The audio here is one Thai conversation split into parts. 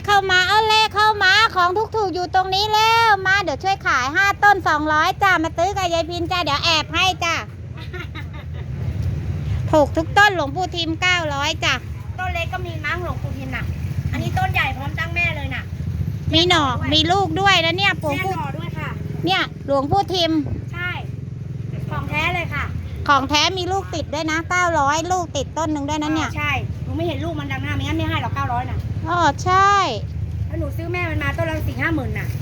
เข้ามาเอาเลขเข้ามาของถูกๆอยู่ตรงนี้แล้วมาเดี๋ยวช่วยขาย5 ต้น200จ้ามาซื้อกับยายพินจ้าเดี๋ยวแอบให้จ้าถูกทุกต้นหลวงปู่ทิม900จ้าต้นเล็กก็มีมั้งหลวงปู่ทิมน่ะอันนี้ต้นใหญ่พร้อมตั้งแม่เลยน่ะมีหน่อมีลูกด้วยแล้วเนี่ยปู่แม่หน่อด้วยค่ะเนี่ยหลวงปู่ทิมใช่ของแท้เลยค่ะของแท้มีลูกติดด้วยนะ900ลูกติดต้นหนึ่งด้วยนะเนี่ยใช่หนูไม่เห็นลูกมันดังหน้าไม่งั้นไม่ให้หรอก900น่ะอ๋อใช่แล้วหนูซื้อแม่มันมาต้นละ4-5 หมื่นน่ะ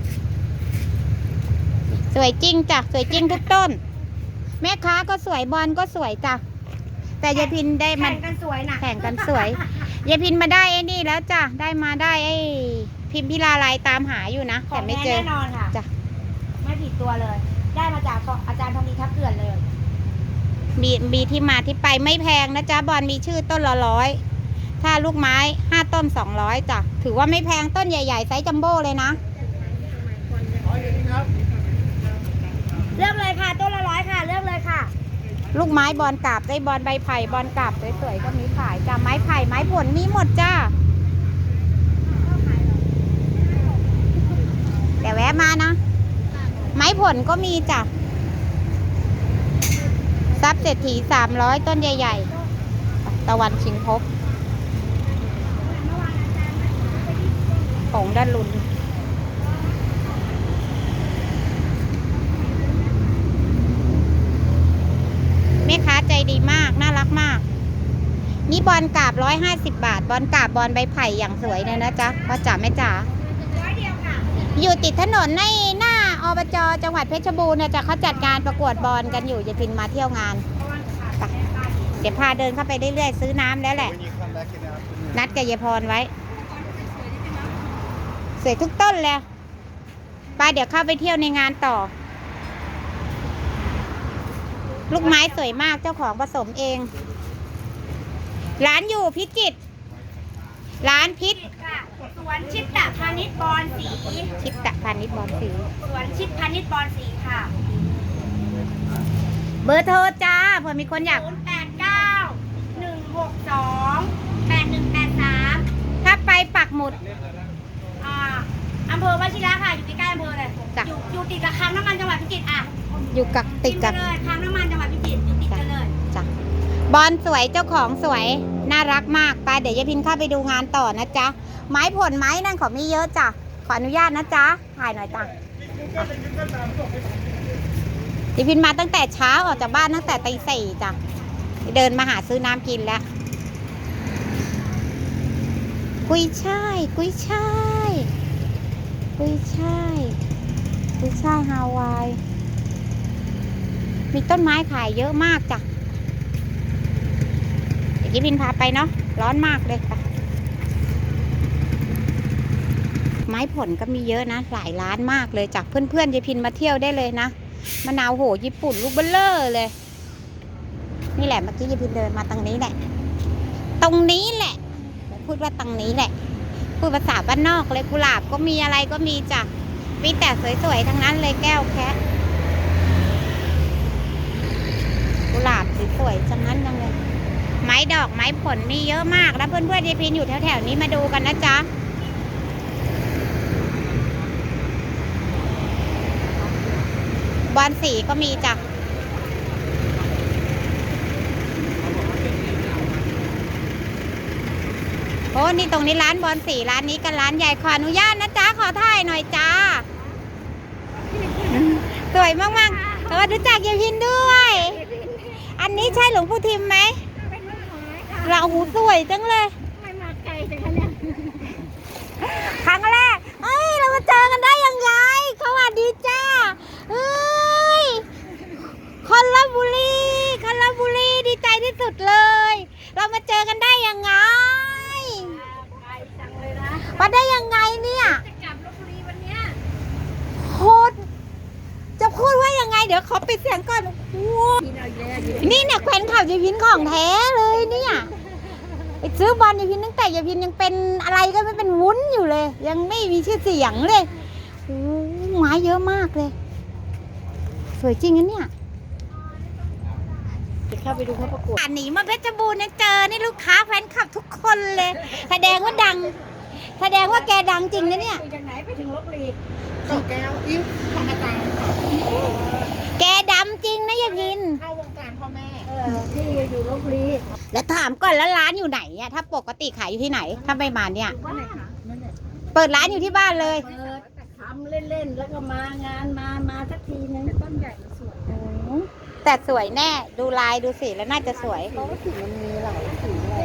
สวยจริงจ้ะสวยจริงทุกต้นแม่ค้าก็สวยบอลก็สวยจ้ะแต่ยายพินได้มาแข่งกันสวยน่ะแข่งกันสวยยายพินมาได้ไอ้นี่แล้วจ้ะได้มาได้ไอ้พิมพิลาไลตามหาอยู่นะแต่ไม่เจอแน่นอนค่ะจ้ะไม่ผิดตัวเลยได้มาจากอาจารย์ทองดีทับเกื่อนเลยมีที่มาที่ไปไม่แพงนะจ๊ะบอลมีชื่อต้นละ100ถ้าลูกไม้5 ต้น200จ้ะถือว่าไม่แพงต้นใหญ่ๆไซส์จัมโบ้เลยนะเลือกเลยค่ะต้นละ100ค่ะเลือกเลยค่ะลูกไม้บอลกาบได้บอลใบไผ่บอลกาบสวยๆก็มีขายจ้ะไม้ไผ่ไม้ผลมีหมดจ้าแต่แวะมานะไม้ผลก็มีจ้ะทรัพย์เศรษฐี300ต้นใหญ่ๆตะวันชิงพบของด้านลุนแม่ค้าใจดีมากน่ารักมากนี่บอลกาบ150 บาทบอลกาบบอลใบไผ่อย่างสวยเลยนะจ๊ะพ่อจ๋าแม่จ๋าอยู่ติดถนนในหน้าอบจ.จังหวัดเพชรบูรณ์นะจ๊ะเขาจัดงานประกวดบอลกันอยู่จะพินมาเที่ยวงานเดี๋ยวพาเดินเข้าไปเรื่อยๆซื้อน้ำแล้วแหละนัดกับยายพรไว้สวยทุกต้นเลยไปเดี๋ยวเข้าไปเที่ยวในงานต่อลูกไม้สวยมากเจ้าของผสมเองร้านอยู่พิจิตรร้านพิษสวนชิดตะพาณิชย์บอนสีชิดตะพาณิชย์บอนสีสวนชิดพาณิชย์บอนสีค่ะเบอร์โทรจ้าเผื่อมีคนอยาก 089-162-8183 ถ้าไปปักหมุดอำเภอวชิระค่ะอยู่ใกล้ๆอำเภอเลยอยู่ติดกับคลังน้ำมันจังหวัดพิจิตรอยู่กับติดกับเลยคลังน้ำมันจังหวัดพิจิตรอยู่ติดกันเลยจ้ะบอลสวยเจ้าของสวยน่ารักมากไปเดี๋ยวยายพินเข้าไปดูงานต่อนะจ๊ะไม้ผลไม้นั่นเขามีเยอะจ้ะขออนุญาตนะจ๊ะถ่ายหน่อยจ้ะยายพินมาตั้งแต่เช้าออกจากบ้านตั้งแต่ตี 4จ้ะเดินมาหาซื้อน้ำกินแล้วกุยช่ายกุยช่ายกุยช่ายกุยช่ายฮาวายมีต้นไม้ขายเยอะมากจ้ะเดี๋ยวยายพินพาไปเนาะร้อนมากเลยค่ะไม้ผลก็มีเยอะนะหลายร้านมากเลยจากเพื่อนๆยายพินมาเที่ยวได้เลยนะมะนาวโหญี่ปุ่นลูกเบลเลอร์เลยนี่แหละเมื่อกี้ยายพินเดินมาตรงนี้แหละตรงนี้แหละพูดว่าตรงนี้แหละพูดภาษาบ้านนอกเลยกุหลาบก็มีอะไรก็มีจ้ะมีแต่สวยๆทั้งนั้นเลยแก้วแคะกุหลาบสวยๆทั้งนั้นเลยไม้ดอกไม้ผลมีเยอะมากแล้วเพื่อนๆยายพินอยู่แถวๆนี้มาดูกันนะจ๊ะบอลสีก็มีจ้ะโอ้นี่ตรงนี้ร้านบอลสีร้านนี้กันร้านใหญ่ขออนุญาตนะจ๊ะขอถ่ายหน่อยจ้าสวยมากๆรู้จักยายพินด้วยอันนี้ใช่หลวงปู่ทิมไหมเราหูสวยจังเลยไม่มาไกลจังเนี่ยครั้งแรกเรามาเจอกันได้ยังไงสวัสดีจ้าคนลบุรีดีใจที่สุดเลยเรามาเจอกันได้ยังไงมาได้ยังไงเนี่ยจะกลับลพบุรีวันเนี้ยโคตรจะพูดว่ายังไงเดี๋ยวขอปิดเสียงก่อนนี่เนี่ยแขวนข่าวยายพินของแท้เลยเนี่ยไปซื้อบอลยายพินตั้งแต่ยายพินยังเป็นอะไรก็ไม่เป็นวุ้นอยู่เลยยังไม่มีชื่อเสียงเลยไม้เยอะมากเลยสวยจริงนะเนี่ยเข้าไปดูเขาประกวดหนีมาเพชรบูรณ์นะเจอนี่ลูกค้าแฟนคลับทุกคนเลยแสดงว่าดังแสดงว่าแกดังจริงนะเนี่ยจากไหนไปถึงลบบุรีต่อแก้วอิ้วของอาจารย์ค่ะแกดำจริงนะยายพินเข้าวงการพ่อแม่ที่อยู่ลบบุรีแล้วถามก่อนแล้วร้านอยู่ไหนอะถ้าปกติขายอยู่ที่ไหน ถ้าไม่มาเนี่ยบ้านไหนคะนั่นแหละเปิดร้านอยู่ที่บ้านเลยเปิดทำเล่นๆแล้วก็มางานมาสักทีนึงต้นใหญ่สวยแต่สวยแน่ ดูลายดูสีแล้วน่าจะสวยเพราะว่าสีมันมีหลายสีเลย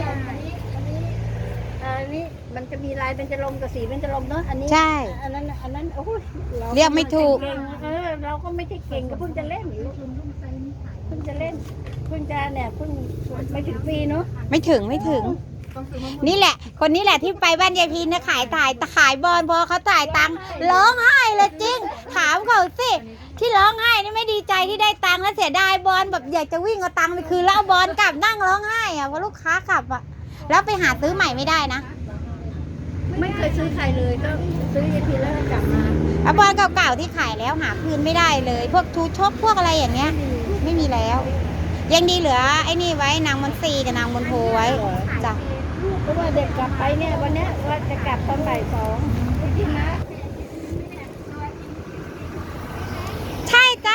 อันนี้มันจะมีลายเป็นจะลมกับสีเป็นจะลมเนาะอันนี้ใช่อันนั้นโอ้ยเรียกไม่ถูกเราก็ไม่ใช่เก่งก็เพิ่งจะเล่นเพิ่งจะเล่นเพิ่งจะเนี่ยเพิ่งไม่ถึงปีเนาะไม่ถึง นี่แหละ คนนี้แหละที่ไปบ้านยายพินนะขายบอลพอเขาจ่ายตังค์ร้องไห้เลยจริง ถามเขาสิที่ร้องไห้นี่ไม่ดีใจที่ได้ตังค์แล้วเสียดายบอลแบบอยากจะวิ่งเอาตังค์ไปคืนแล้วเอาบอลกลับนั่งร้องไห้อะเพราะลูกค้ากลับอะแล้วไปหาซื้อใหม่ไม่ได้นะไม่เคยซื้อใครเลยก็ซื้อยาทีแล้วก็กลับมาแล้วบอลเก่าๆที่ขายแล้วหาคืนไม่ได้เลย พวกทูชกพวกอะไรอย่างเงี้ย ไม่มีแล้ว ยังดีเหลือไอ้นี่ไว้นางมนตรีกับนางมนโทไว้จ้ะเพราะว่าเด็กกลับไปเนี่ยวันเนี้ยว่าจะกลับตอนบ่าย